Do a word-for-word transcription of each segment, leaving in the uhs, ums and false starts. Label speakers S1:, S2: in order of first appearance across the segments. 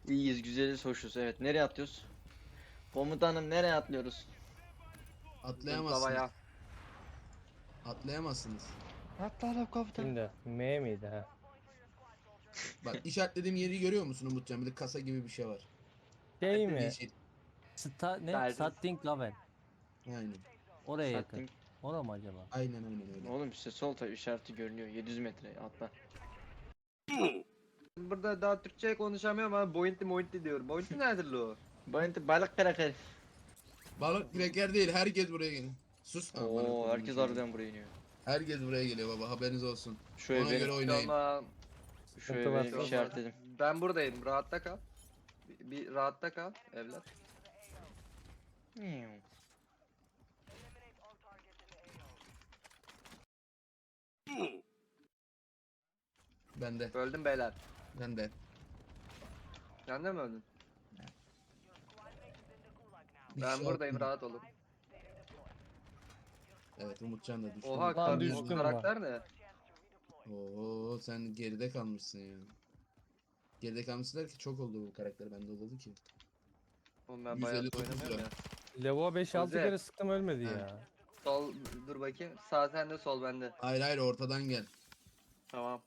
S1: İyiyiz, güzeliz, hoşuz. Evet, nereye atlıyoruz? Komutanım nereye atlıyoruz?
S2: Atlayamazsınız.
S3: Zıplamaya.
S2: Atlayamazsınız.
S1: Atlayalım komutanım.
S4: Şimdi M miydi ha?
S2: Bak işaretlediğim yeri görüyor musun Umutcan? Bir de kasa gibi bir şey var.
S4: Şey mi?
S2: Yeşil.
S5: Sta ne?
S3: Derdim.
S5: Starting Level.
S2: Aynen.
S5: Oraya yakın.
S1: Satting.
S5: Orada mı acaba?
S2: Aynen aynen öyle.
S1: Oğlum işte sol taraf işareti görünüyor. yedi yüz metre atla.
S3: Burada daha Türkçe konuşamıyorum ama Bointi Mointi diyorum. Bointi nedir lo?
S1: Bayıntı balık kraker.
S2: Balık kreker değil. Herkes buraya gelin. Sus. Aman
S1: Oo,
S2: Allah'ım,
S1: herkes
S2: şey.
S1: harbiden buraya iniyor.
S2: Herkes buraya geliyor baba. Haberiniz olsun.
S1: Şu
S2: Ona
S1: ev
S2: göre
S1: benim.
S2: oynayın.
S3: Tamam.
S1: Şu ev
S4: Sıkıntı
S1: benim
S4: varsa-
S1: işaretledim.
S3: Ben buradayım. Rahatta kal. Bir, bir rahatta kal evlat.
S1: Miau.
S2: Ben de.
S3: Öldüm beyler.
S2: Ben de.
S3: Sen de mi öldün?
S2: Bir
S3: Ben
S2: kişi
S3: buradayım,
S2: atladı.
S3: rahat olun.
S2: Evet Umutcan da düştü.
S3: Oha
S4: Lan
S3: kar
S4: düştüm
S3: bu karakter ne?
S2: Oo sen geride kalmışsın ya. Geride kalmışsın der ki çok oldu bu karakter bende oldu ki.
S3: Oğlum ben
S2: yüz
S3: bayağı
S2: elli dokuz
S3: oynamıyorum
S2: lira.
S3: ya.
S4: Lavuğa beş altı
S3: Güzel.
S4: kere sıktım ölmedi
S2: Ha.
S4: ya.
S3: Sol dur bakayım. Sağ sende, sol bende.
S2: Hayır hayır ortadan gel.
S3: Tamam.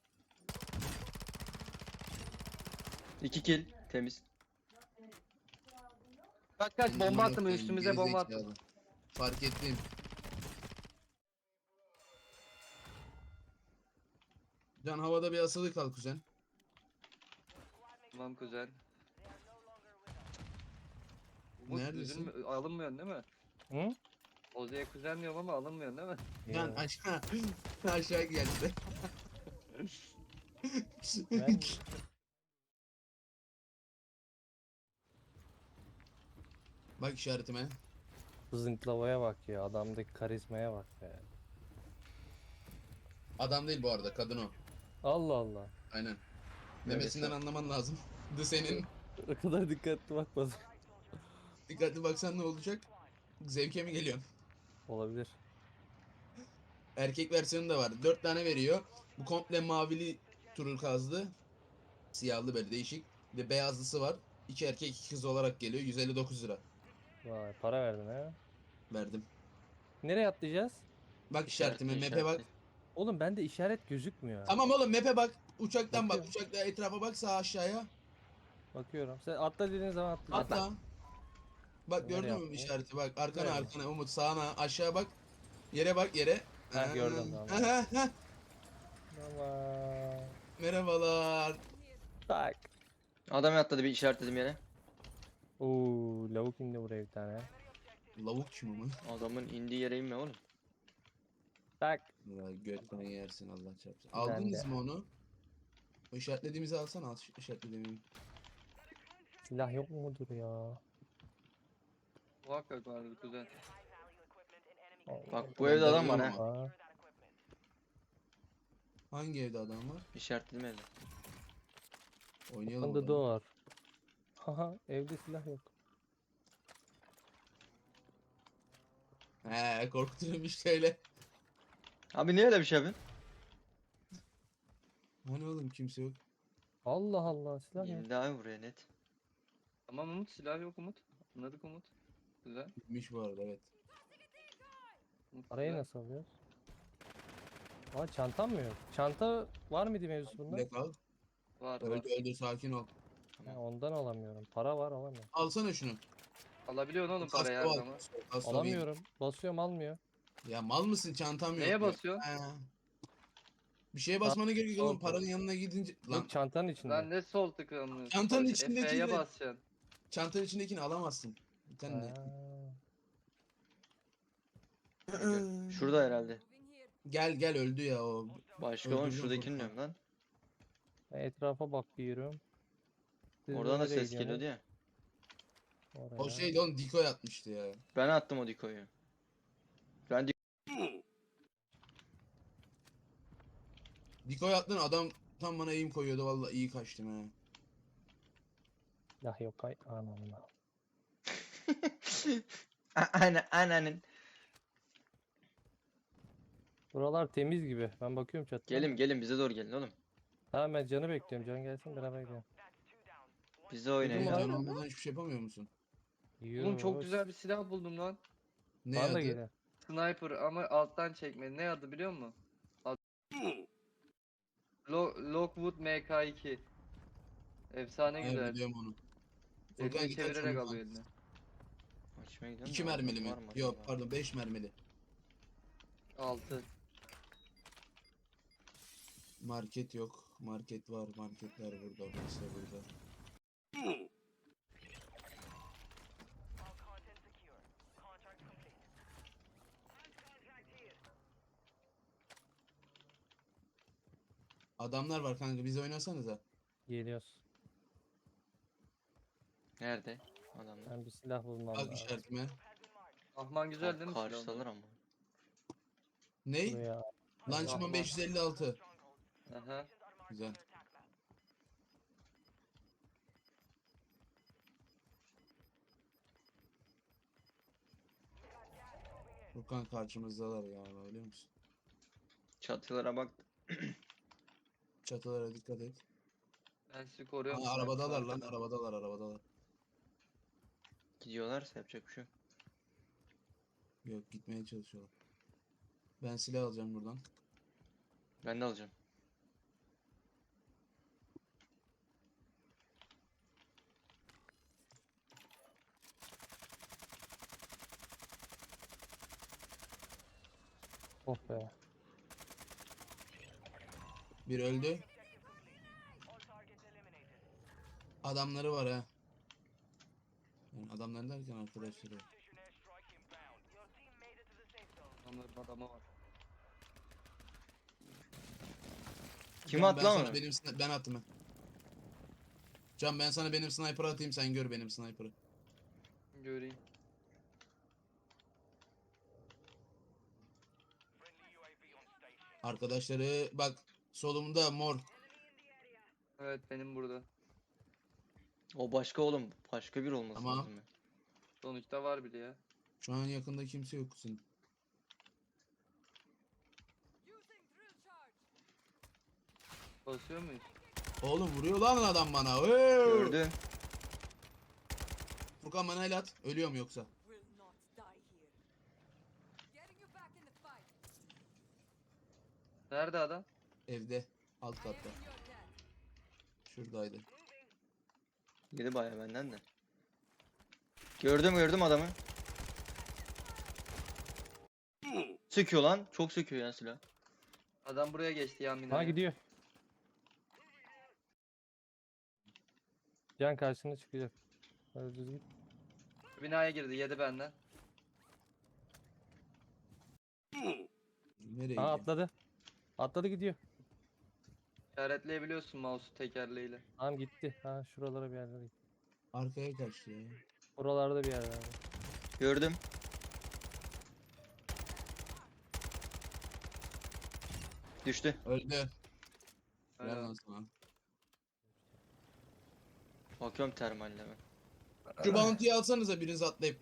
S1: İki kill temiz.
S3: Kaç kaç bomba
S2: Amına
S3: attım
S2: koyayım,
S3: üstümüze bomba attım.
S2: gerizekalı. Fark ettim. Can havada bir asılı kal kuzen.
S3: Tamam kuzen. Umut
S2: Neredesin?
S3: üzülme, alınmıyorsun değil mi?
S4: Hı?
S3: Ozu'ya kuzen diyorum ama alınmıyorsun değil mi?
S2: Can
S4: Yo.
S2: aşağı aşağı geldi.
S4: Ben-
S2: Bak işaretime.
S4: Zınklavaya bak ya. Adamdaki karizmaya bak be.
S2: Adam değil bu arada kadın o.
S4: Allah Allah.
S2: Aynen. Memesinden anlaman lazım. The senin.
S4: O kadar dikkatli bakmadım.
S2: Dikkatli baksan ne olacak? Zevke mi geliyorsun?
S4: Olabilir.
S2: Erkek versiyonu da var. Dört tane veriyor. Bu komple mavili turkuazlı. Siyahlı böyle değişik. Bir de beyazlısı var. İki erkek iki kız olarak geliyor. yüz elli dokuz lira.
S4: Vay para verdin ha.
S2: Verdim.
S4: Nereye atlayacağız?
S2: Bak işaretime
S1: İşaretli,
S2: map'e bak.
S1: işaretli.
S4: Oğlum bende işaret gözükmüyor.
S2: Tamam oğlum map'e bak. Uçaktan bak.
S4: Bakıyorum.
S2: Uçakta etrafa bak sağ aşağıya.
S4: Bakıyorum. Sen atla dediğin zaman atlayacağım.
S2: Atla. Bak
S4: Nereye
S2: gördün mü
S4: atlayayım?
S2: işareti bak. Arkana
S4: Nereye?
S2: arkana Umut sağına aşağı bak. Yere bak yere.
S4: Ha, gördüm, tamam.
S2: Ha, ha, ha.
S4: Tamam.
S2: Merhabalar.
S4: Tak.
S1: Adam atladı, bir işaretledim yere.
S4: Oo, lavuk indi buraya bir tane.
S2: Lavuk kim ama?
S1: Adamın indiği yere inme oğlum.
S4: Tak.
S2: Ya götten yersin Allah çarpsın.
S4: Ben
S2: Aldınız
S4: de.
S2: mı onu? O işaretlediğimizi alsana al işaretlediğimi.
S4: Silah yok mudur ya?
S3: Muhakkak vardır kuzen.
S4: Allah
S1: Bak bu
S2: Ben
S1: evde adam var
S2: demiyorum
S1: ha.
S4: Allah.
S2: Hangi evde adam var?
S1: İşaretledim evde.
S2: Oynayalım
S4: Open the
S2: bakalım.
S4: door. Haha evde silah yok.
S2: He korkutuyorum işte öyle.
S1: Abi niye öyle bir şey yapıyorsun?
S2: Hani oğlum kimse yok.
S4: Allah Allah silah yok.
S1: Geldi abi buraya net.
S3: Tamam Umut, silah yok Umut. Anladık Umut. Güzel.
S2: Gitmiş bu arada evet.
S3: Umut,
S4: Parayı
S3: güzel.
S4: nasıl alıyoruz? Aa çantam mı yok? Çanta var mıydı mevzusu bunda?
S2: Ne kal?
S3: Var var.
S2: Öldü öldü sakin ol.
S4: Ha, ondan alamıyorum. Para var alamıyorum.
S2: Alsana şunu.
S3: Alabiliyorsun oğlum
S2: Kasko
S3: parayı her
S2: al,
S3: zaman.
S2: kasko, kasko
S4: Alamıyorum. Basıyorum almıyor.
S2: bir- Ya mal mısın çantam yok.
S3: Neye
S2: ya.
S3: basıyorsun?
S2: He. Bir şeye basmana gerek yok oğlum
S4: sol
S2: paranın yanına gidince. Lan
S4: Yok çantanın içinde.
S3: Lan ne sol tıklanıyorsun?
S2: Çantanın
S3: Sol-
S2: içindeki
S3: Efe'ye
S2: de-
S3: basacaksın.
S2: çantanın içindekini alamazsın. Bir tane de.
S4: Ha.
S1: Şurada herhalde.
S2: Gel gel öldü ya o.
S1: Başka oğlum
S2: Öldürdüm
S1: şuradakini
S2: korkma.
S1: diyorum lan.
S4: Ben etrafa bakıyorum. Siz
S1: Oradan da
S4: nereye
S1: ses
S4: gidiyorsunuz?
S1: geliyordu ya.
S4: Oraya.
S2: O şey de oğlum decoy atmıştı ya.
S1: Ben attım o dikoyu. Ben dik
S2: Decoy attın adam tam bana eğim koyuyordu vallahi iyi kaçtım ha.
S4: Silah yok ay anamla.
S1: Ana ananın.
S4: Buralar temiz gibi. Ben bakıyorum çatıdan.
S1: Gelin gelin bize doğru gelin oğlum.
S4: Tamam ben Can'ı bekliyorum. Can gelsin beraber gidelim.
S1: Bize oynayın.
S4: Dedim
S1: ya.
S4: abi.
S2: Can olmadan hiçbir şey yapamıyor musun?
S3: Oğlum çok
S4: Yus.
S3: güzel bir silah buldum lan.
S2: Ne
S4: Bana da
S2: adı?
S4: geliyor.
S3: Sniper ama alttan çekme. Ne adı biliyor musun? Ad Lo Lockwood M K iki. Efsane
S2: He,
S3: güzel.
S2: biliyorum onu. Furkan
S3: Eline
S2: git aç
S3: çevirerek
S2: onu
S3: alıyor
S2: lan.
S3: eline.
S1: Açmaya gidiyorum
S2: İki
S1: da adam
S2: mermili mi?
S1: var mı
S2: Yok
S1: acaba?
S2: pardon beş mermili.
S3: Altı.
S2: Market yok. Market var. Marketler burada. Burası da burada. Adamlar var kanka. Biz oynasanıza.
S4: Geliyoruz.
S1: Nerede? Adamlar.
S4: Ben bir silah bulmam
S2: Bak
S4: lazım.
S2: işaretime.
S3: Ahman güzel değil mi silahın?
S1: Karşıdalar ama.
S2: Ney?
S4: Buraya
S2: Lançman
S3: Ahman.
S2: beş yüz elli altı.
S3: Aha.
S2: Güzel. Furkan karşımızdalar ya biliyor musun?
S1: Çatılara bak.
S2: Çatılara dikkat et.
S3: Ben sizi koruyorum.
S2: Aa,
S3: sniper
S2: arabadalar lan
S3: arkada.
S2: arabadalar arabadalar.
S1: Gidiyorlarsa yapacak bir şey yok.
S2: Yok gitmeye çalışıyorlar. Ben silah alacağım buradan.
S1: Ben de alacağım.
S4: oh be.
S2: Bir öldü. Adamları var ha. Yani adamlar derken arkadaşları.
S3: Onların adamı var.
S1: Kim
S2: Can,
S1: attı
S2: ben
S1: lan
S2: sana
S1: onu?
S2: benim sni- ben attım ha. Can ben sana benim sniper atayım sen gör benim sniper'ı.
S3: Göreyim.
S2: Arkadaşları bak solumda mor.
S3: Evet benim burada.
S1: O başka oğlum. Başka bir olması
S2: Tamam.
S1: lazım ya.
S3: Sonuçta var biri ya.
S2: Şu an yakında kimse yok senin.
S3: Basıyor muyuz?
S2: Oğlum vuruyor lan adam bana. Hey!
S1: Gördüm.
S2: Furkan bana el at. Ölüyorum yoksa.
S6: Will not die here. Getting you back in the fight.
S3: Nerede adam?
S2: Evde. Alt katta.
S6: You're dead.
S2: Şuradaydı.
S1: Yedi bayağı benden de. Gördüm gördüm adamı. Sıkıyor lan. Çok sıkıyor ya silah.
S3: Adam buraya geçti ya
S4: Ha
S3: minaya.
S4: gidiyor. Can karşına çıkacak. Hadi düz git.
S3: Binaya girdi yedi benden.
S2: Nereye
S4: Aha
S2: gidiyor?
S4: atladı. Atladı gidiyor.
S3: İşaretleyebiliyorsun mouse'u tekerleğiyle.
S4: Tamam gitti. Ha şuralara bir yerlere gitti.
S2: Arkaya kaçtı ya.
S4: Buralarda bir yerlerde.
S1: Gördüm. Düştü.
S2: Öldü. Helal
S3: Aynen.
S2: lan sana.
S1: Bakıyorum termalleme.
S2: Şu bounty'yi alsanıza biriniz atlayıp.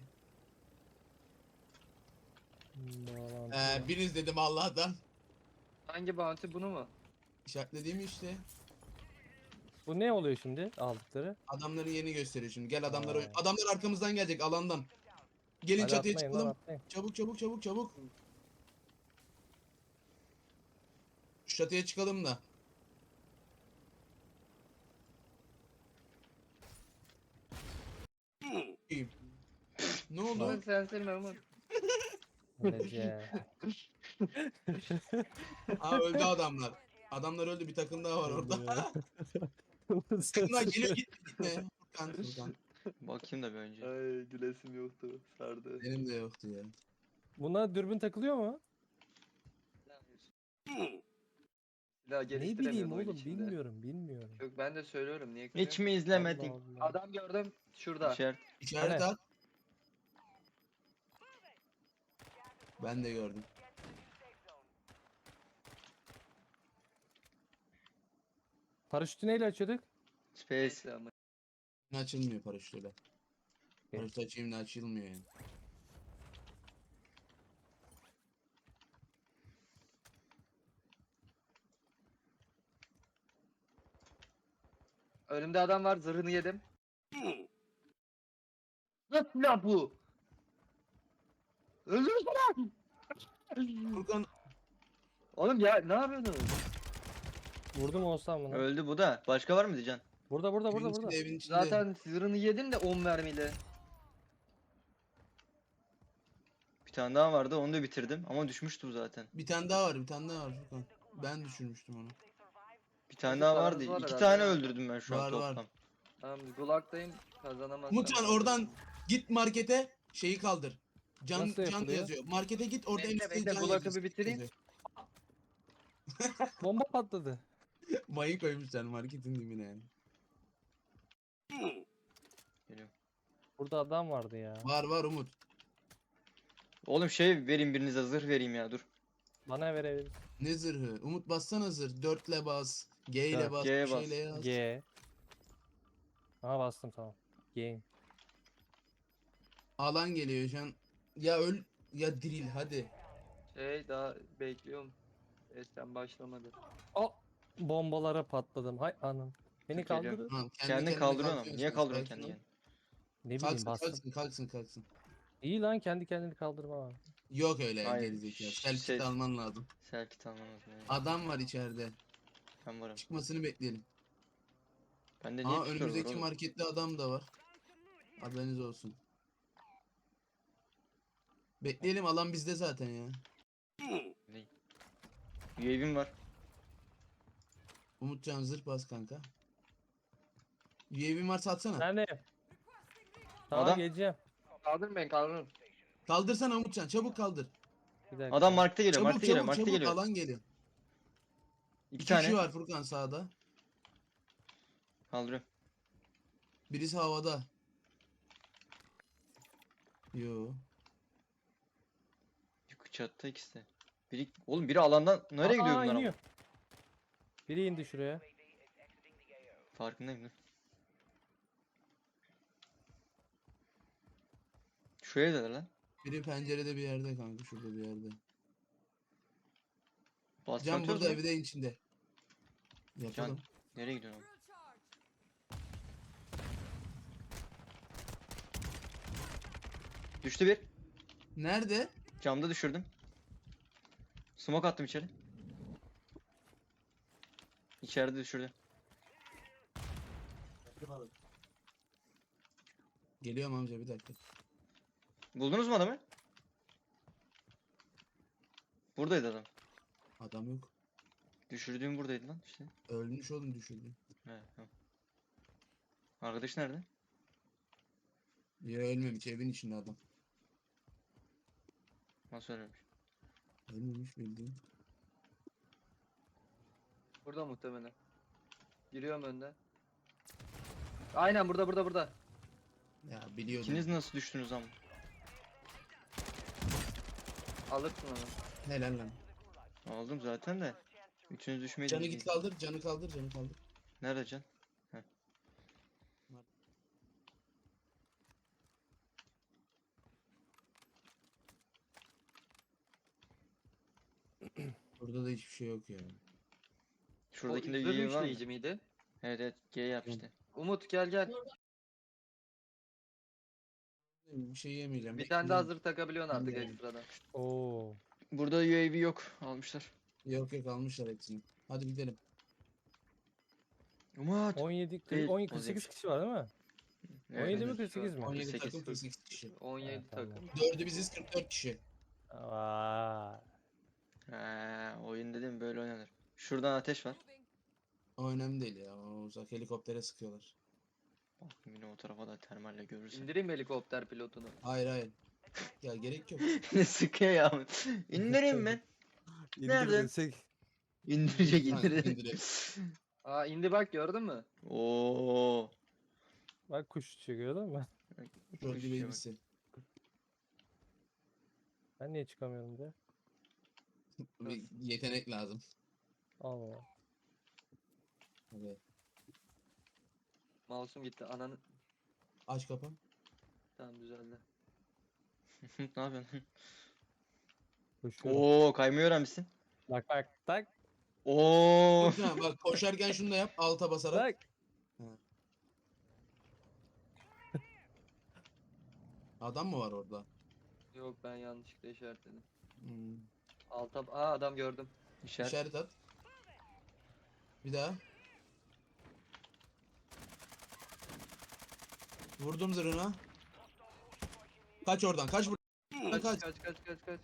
S4: Bağlantı.
S2: Ee, biriniz dedim Allah'tan.
S3: Hangi bounty bunu mu?
S2: İşaretlediğim işte.
S4: Bu ne oluyor şimdi aldıkları?
S2: Adamların yerini gösteriyor şimdi. Gel adamlar
S4: Ha.
S2: adamlar arkamızdan gelecek alandan. Gelin
S4: Hadi
S2: çatıya
S4: atlayın lan,
S2: çıkalım.
S4: atlayın.
S2: Çabuk çabuk çabuk çabuk. Şu çatıya çıkalım da. İyiyim. Ne oldu?
S3: Ulan sensin Mehmet.
S4: Nece.
S2: Aa öldü adamlar. Adamlar öldü bir takım daha var orada. Takımlar geliyor gitme gitme. Furkan, Furkan.
S1: Bakayım da bir önce.
S3: Ay gülesim yoktu. Sardı.
S2: Benim de yoktu ya.
S4: Buna dürbün takılıyor mu?
S3: Silah
S4: Ne bileyim
S3: geliştiremiyorsun oyun
S4: oğlum
S3: içinde.
S4: bilmiyorum bilmiyorum.
S3: Yok ben de söylüyorum niye
S1: Hiç
S3: kırıyorsun?
S1: mi izlemedin?
S4: Allah Allah.
S3: Adam gördüm şurada.
S1: İşaret.
S2: İşaret
S4: Hani?
S2: at. Ben de gördüm.
S4: Paraşütü neyle açıyorduk?
S1: Space.
S3: Neyse ama.
S2: Açılmıyor paraşütle. Paraşüt açayım da açılmıyor yani.
S3: Önümde adam var zırhını yedim. Nasıl ya bu? Öldürsene!
S2: Furkan
S3: Oğlum ya ne yapıyorsunuz?
S4: Vurdum olsam bunu.
S1: Öldü bu da. Başka var mı diyeceksin?
S4: Burada burada burada
S2: evin
S4: burada.
S2: içinde evin içinde.
S3: Zaten zırhını yedim de on mermiyle.
S1: Bir tane daha vardı onu da bitirdim ama düşmüştü bu zaten.
S2: Bir tane daha var bir tane daha var Furkan. Ben düşürmüştüm onu.
S1: Bir tane
S3: Nasıl
S1: daha
S3: paranız
S1: vardı.
S3: var
S1: İki
S3: herhalde
S1: tane
S3: ya?
S1: öldürdüm ben şu an
S2: Var, var.
S1: toplam.
S3: Tamam Gulag'dayım kazanamazsam.
S2: Umutcan oradan git markete şeyi kaldır. Can
S4: Nasıl
S2: can
S4: yapılıyor?
S2: yazıyor. Markete git orada
S3: Bekle,
S2: en üstte
S3: bekle,
S2: can
S3: Gulag'ı
S2: yazıyor.
S3: bir bitireyim.
S2: yazıyor.
S4: Bomba patladı.
S2: Mayı koymuşlar marketin dibine yani.
S1: Geliyorum.
S4: Burada adam vardı ya.
S2: Var var Umut.
S1: Oğlum şey vereyim birinize zırh vereyim ya dur.
S4: Bana verebilir.
S2: Ne zırhı? Umut bassana zırh. Dörtle bas. G ile
S4: Dört,
S2: bas.
S1: G'ye
S2: bir
S1: bas.
S2: şeyle yaz.
S4: G. Aha bastım tamam. Game.
S2: Alan geliyor şu an. Ya öl ya diril hadi.
S3: Şey daha bekliyorum. Esten başlamadı.
S4: O bombalara patladım. Hay anam. Beni
S1: Çok geliyor.
S4: kaldırın.
S2: Tamam, kendi
S1: Kendini
S2: kendine
S1: kaldırıyorsun ama.
S2: kalkıyorsun
S1: Niye
S2: sen,
S1: kaldırıyorsun
S2: sakin
S1: kendini
S2: ol.
S1: yani?
S4: Ne bileyim
S2: Kalksın
S4: bastım.
S2: kalksın kalksın kalksın.
S4: İyi lan kendi kendini kaldırma var.
S2: Yok öyle
S1: Hayır,
S2: gerizekalı.
S1: şş,
S2: Selfie
S1: şey-
S2: alman lazım.
S1: Selkit almamız lazım.
S2: Adam var içeride.
S1: Ben varım.
S2: Çıkmasını bekleyelim.
S1: Bende niye
S2: Aa
S1: pistol var
S2: önümüzdeki
S1: oğlum?
S2: markette adam da var. Haberiniz olsun. Bekleyelim alan bizde zaten ya.
S1: U A V'm var.
S2: Umutcan zırh bas kanka. U A V'in varsa atsana.
S4: Nerede? Tamam
S1: Adam-
S4: geleceğim.
S3: Kaldırın beni kaldırın.
S2: Kaldırsana Umutcan çabuk kaldır.
S4: Bir dakika.
S1: Adam markete geliyor,
S2: Çabuk
S1: markete geliyor,
S2: çabuk
S1: markete
S2: çabuk
S1: geliyor.
S2: alan geliyor.
S1: İki
S2: İki
S1: tane.
S2: kişi var Furkan sağda.
S1: Kaldırıyorum.
S2: Birisi havada. Yo.
S1: Yukarı çatıda ikisi de. Biri, oğlum biri alandan nereye gidiyor
S4: Aa,
S1: bunlar ama?
S4: iniyor. Biri indi şuraya.
S1: Farkındayım dur. Şu evdeler lan.
S2: Biri pencerede bir yerde kanka şurada bir yerde.
S1: Baston
S2: Can
S1: atıyoruz
S2: burada
S1: mu?
S2: evde içinde. Yapalım.
S1: Nereye gidiyorsun oğlum?
S6: Drill charge.
S1: Düştü bir.
S2: Nerede?
S1: Camda düşürdüm. Smoke attım içeri. İçeride düşürdü.
S2: Geliyorum amca bir dakika.
S1: Buldunuz mu adamı? Buradaydı adam.
S2: Adam yok.
S1: Düşürdüğüm buradaydı lan işte.
S2: Ölmüş oğlum düşürdü.
S1: He, tamam. Arkadaş nerede?
S2: Ya ölmemiş evin içinde adam.
S1: Nasıl ölmemiş?
S2: Ölmemiş bildiğin.
S3: Burada muhtemelen. Giriyorum önden. Aynen burada burada burada.
S2: Ya biliyordum.
S1: İkiniz nasıl düştünüz ama?
S3: Alırsın onu.
S2: Helal lan.
S1: Aldım zaten de. Üçünüz düşmeyi
S2: Canı
S1: de-
S2: git kaldır, canı kaldır, canı kaldır.
S1: Nerede can? Heh.
S2: Burada da hiçbir şey yok ya.
S1: Şuradakinde
S3: O
S1: U A
S3: zırh
S1: V var mı?
S3: üçleyici miydi?
S1: Evet evet G yap işte.
S3: Umut gel gel.
S2: Bir şey yemeyeceğim.
S3: Bir tane daha
S2: bekleyin.
S3: zırh takabiliyorsun artık
S2: Bilmiyorum.
S3: ekstradan.
S4: Oo.
S1: Burada U A V yok. Almışlar.
S2: Yok yok almışlar hepsini. Hadi gidelim.
S1: Umut.
S4: on yedi,
S1: Değil,
S4: on,
S1: o
S4: kırk sekiz
S1: değilmiş.
S4: kişi var değil mi?
S1: Evet,
S4: on yedi mi
S1: evet.
S4: kırk sekiz mi?
S2: on yedi
S1: kırk sekiz.
S2: takım kırk sekiz kişi.
S3: on yedi
S4: Ha, tamam.
S3: takım.
S2: Dördü biziz kırk dört kişi.
S4: Vay.
S1: Ha, oyun dedim böyle oynanır. Şuradan ateş var.
S6: Moving.
S2: O önemli değil ya. O uzak helikoptere sıkıyorlar.
S1: Bak yine o tarafa da termalle görürsün.
S3: İndireyim helikopter pilotunu.
S2: Hayır hayır. Ya gerek yok.
S1: Ne sıkıyor ya. İndireyim ben. Nerede? İndirecek
S2: Ha,
S1: indirecek.
S2: indirelim.
S3: Aa indi bak gördün mü?
S1: Oo.
S4: Bak kuş çıkıyor değil mi?
S2: Dördü
S1: Şuraya bak.
S2: babysi.
S4: Ben niye çıkamıyorum diye.
S2: Bir yetenek lazım.
S4: Allah.
S2: Hadi.
S3: Mouse'um gitti. Ananı.
S2: Aç kapı.
S3: Tamam düzeldi.
S1: Ne yapıyorsun?
S4: Koşuyorum.
S1: Oo kaymayı öğrenmişsin.
S4: Bak bak tak
S1: Oo.
S2: Ha, bak koşarken şunu da yap alta basarak.
S4: tak.
S2: Adam mı var orada?
S3: Yok ben yanlışlıkla işaretledim.
S2: Hmm.
S3: Alta aa adam gördüm.
S1: İşaret.
S2: İşaret at. Bir daha. Vurdum zırhına. Kaç oradan, kaç buradan.
S3: Kaç
S2: Kaç.
S3: kaç kaç kaç kaç.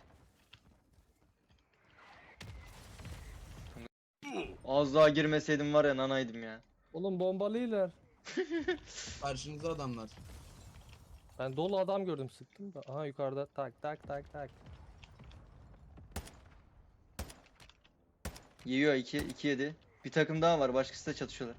S1: Az daha girmeseydim var ya nanaydım ya.
S4: Oğlum bombalıylar.
S2: Karşınızda adamlar.
S4: Ben dolu adam gördüm sıktım da. Aha yukarıda tak tak tak tak.
S1: Yiyor iki, iki yedi. Bir takım daha var. Başkası da çatışıyorlar.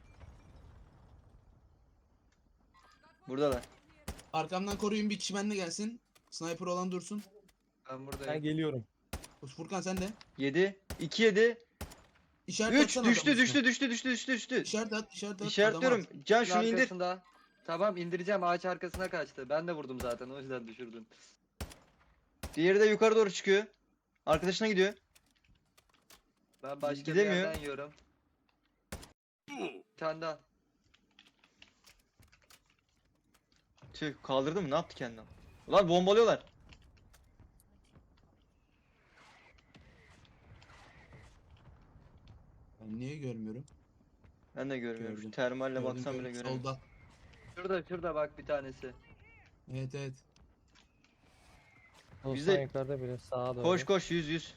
S1: Buradalar.
S2: Arkamdan koruyun, bir kişi benimle gelsin. Sniper olan dursun.
S3: Ben
S4: Ben
S3: buradayım.
S4: geliyorum.
S2: Furkan sen de.
S1: yedi. iki yedi.
S2: İşaret
S1: üç
S2: atsana
S1: düştü
S2: adamın
S1: düştü
S2: üstüne.
S1: düştü düştü düştü düştü.
S2: İşaret at, işaret at.
S1: İşaretliyorum.
S2: adamı at.
S1: Can
S3: Şunun
S1: şunu indir.
S3: arkasında. Tamam indireceğim ağaç arkasına kaçtı. Ben de vurdum zaten o yüzden düşürdün.
S1: Diğeri de yukarı doğru çıkıyor. Arkadaşına gidiyor.
S3: Ben başka bir
S1: Gidemiyor.
S3: yerden yiyorum. Bir tane daha.
S1: Tüh kaldırdı mı? Ne yaptı kendini? Ulan bombalıyorlar.
S2: Ben niye görmüyorum?
S1: Ben de görmüyorum. Şu
S2: Gördüm.
S1: termalle
S2: Gördüm,
S1: baksam bile
S2: gördüm.
S1: göremiyorum.
S2: Solda.
S3: Şurada şurada bak bir tanesi.
S2: Evet evet.
S4: Dostlar
S1: Bize-
S4: yukarıda biri sağa doğru.
S1: Koş koş yüz yüz.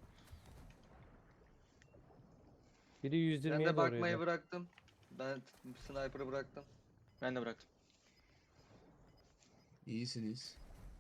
S4: Biri
S3: Ben
S4: yüz yirmiye
S3: de
S4: doğru
S3: bakmayı
S4: yedi.
S3: bıraktım. Ben t- sniper'ı bıraktım.
S1: Ben de bıraktım.
S2: İyisiniz.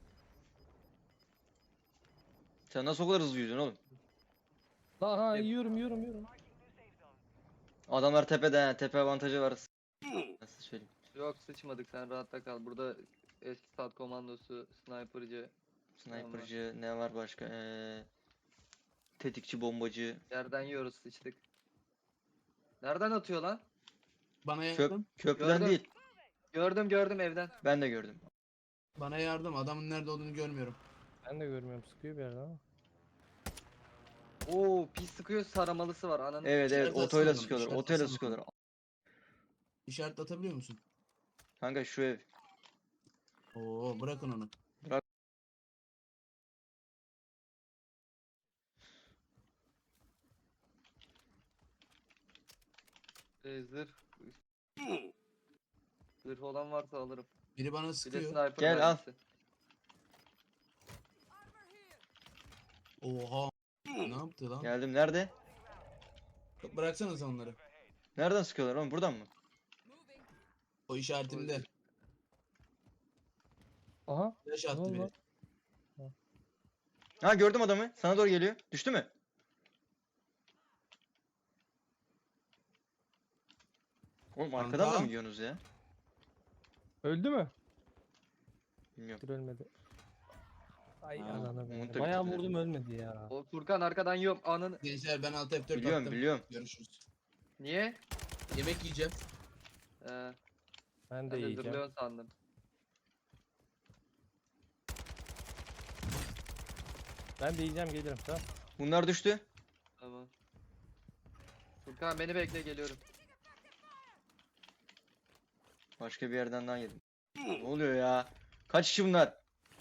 S1: Sen nasıl o kadar hızlı yüzüyorsun oğlum?
S4: Aha yiyorum yiyorum yiyorum.
S1: Adamlar tepede ha. Tepe avantajı var. Nasıl söyleyeyim?
S3: Yok sıçmadık sen rahatta kal. Burada eski sat komandosu, sniper'cı,
S1: Sniper'cı ne var başka? Ee, tetikçi bombacı.
S3: yerden yiyoruz sıçtık. Nereden atıyor lan?
S2: Bana
S1: Köp
S2: yardım.
S1: köprüden
S3: Gördüm.
S1: değil.
S3: Gördüm gördüm evden.
S1: Ben de gördüm.
S2: Bana yardım. Adamın nerede olduğunu görmüyorum.
S4: Ben de görmüyorum sıkıyor bir yerden ama.
S3: Oo pis sıkıyor saramalısı var ananı.
S1: Evet evet
S2: İşaret
S1: otoyla
S2: atsana,
S1: sıkıyorlar.
S2: işaret
S1: Otoyla
S2: atsana.
S1: sıkıyorlar.
S2: İşaret atabiliyor musun?
S1: Kanka şu ev.
S2: Oo, bırakın onu.
S3: Ee, zırh. Zırh olan varsa alırım.
S2: Biri bana
S3: Bir de
S2: sıkıyor.
S3: sniper
S1: Gel, al.
S3: mermisi.
S2: Oha. Ne yaptı lan?
S1: Geldim. Nerede?
S2: Bıraksana sen onları.
S1: Nereden sıkıyorlar oğlum? Buradan mı?
S2: O işaretimde.
S4: Aha.
S2: Flash
S4: Ne
S2: attı
S4: oldu
S2: biri.
S4: lan?
S1: Ha gördüm adamı. Sana doğru geliyor. Düştü mü? Oğlum arkadan da
S2: Kanka.
S1: mı yiyorsunuz ya?
S4: Öldü mü?
S1: Bilmiyorum.
S4: Dur ölmedi. Ay
S2: Ha,
S4: ananı
S1: onu
S4: be.
S1: da
S4: Bayağı
S1: bitirdiler.
S4: vurdum ölmedi ya.
S3: O Furkan arkadan yiyorum ananı.
S2: Gençler ben alt F dört
S1: Biliyorum
S2: attım.
S1: biliyorum.
S2: Görüşürüz.
S3: Niye?
S2: Yemek yiyeceğim.
S3: Ee,
S4: Ben
S3: ben
S4: de
S3: de
S4: yiyeceğim.
S3: zırhlıyorsun sandım.
S4: Ben de yiyeceğim gelirim tamam.
S1: Bunlar düştü.
S3: Tamam. Furkan beni bekle geliyorum.
S1: Başka bir yerden daha yedim. Ne oluyor ya? Kaç kişi bunlar?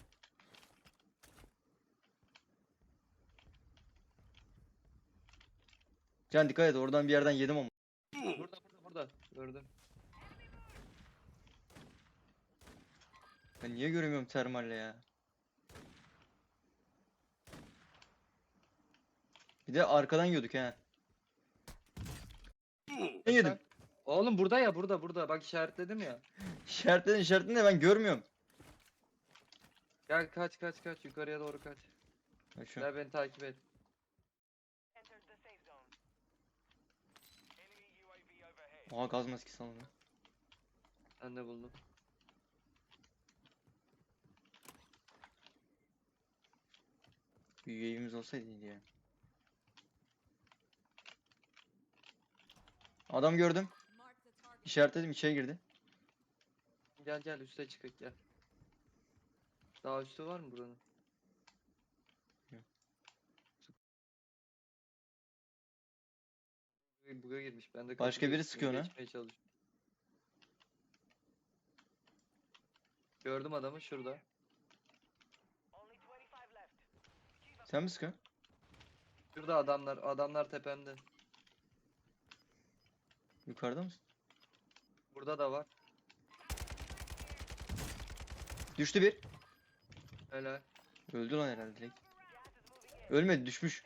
S1: Can dikkat et oradan bir yerden yedim ama.
S3: Burada burada burada. Gördüm.
S1: Ben niye göremiyorum termalle ya? Bir de arkadan yiyorduk he. Ben yedim.
S3: Oğlum burada ya burada burada. Bak işaretledim ya.
S1: İşaretledin işaretledin de ben görmüyorum.
S3: Gel kaç kaç kaç yukarıya doğru kaç.
S1: Bak şu.
S3: Gel beni takip et.
S1: Aa gaz maskesi aldım.
S3: Ben de buldum.
S1: Bir üyemiz olsaydı iyiydi ya. Adam gördüm.
S6: Mark the target.
S1: İşaretledim içeri girdi.
S3: Gel gel üste çıkık gel. Daha üstü var mı buranın?
S1: Yok.
S3: Buga girmiş. Ben de
S1: Başka
S3: kapıda
S1: biri
S3: üstüne
S1: sıkıyor ona.
S3: geçmeye çalışıyorum. Gördüm adamı şurada.
S1: Sen mi sıkıyorsun?
S3: Şurada adamlar. Adamlar tepemde.
S1: Yukarıda mısın?
S3: Burada da var.
S1: Düştü bir.
S3: Helal.
S1: Öldü lan herhalde direkt. Ölmedi, düşmüş.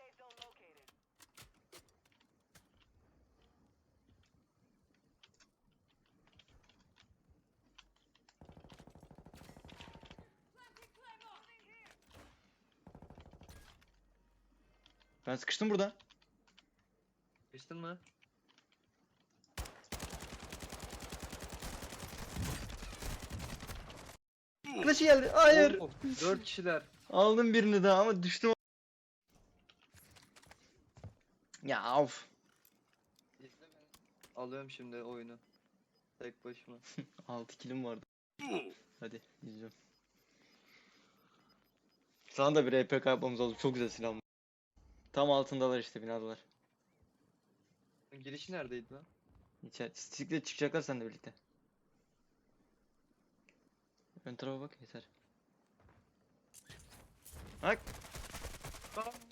S1: Ben sıkıştım burada.
S3: Geçtin mi?
S1: Arkadaşı geldi. Hayır.
S3: Oo, Dört kişiler.
S1: Aldım birini daha ama düştüm. Ya of.
S3: İzle beni. Alıyorum şimdi oyunu. Tek başıma.
S1: altı kilim vardı. Hadi izliyorum. Sana da bir R P K yapmamız oldu. Çok güzel silah. bu. Tam altındalar işte, binadalar.
S3: Girişi neredeydi lan?
S1: İçer Stikle çıkacaklar seninle birlikte. Ön tarafa bak yeter. Bak.
S3: Aa,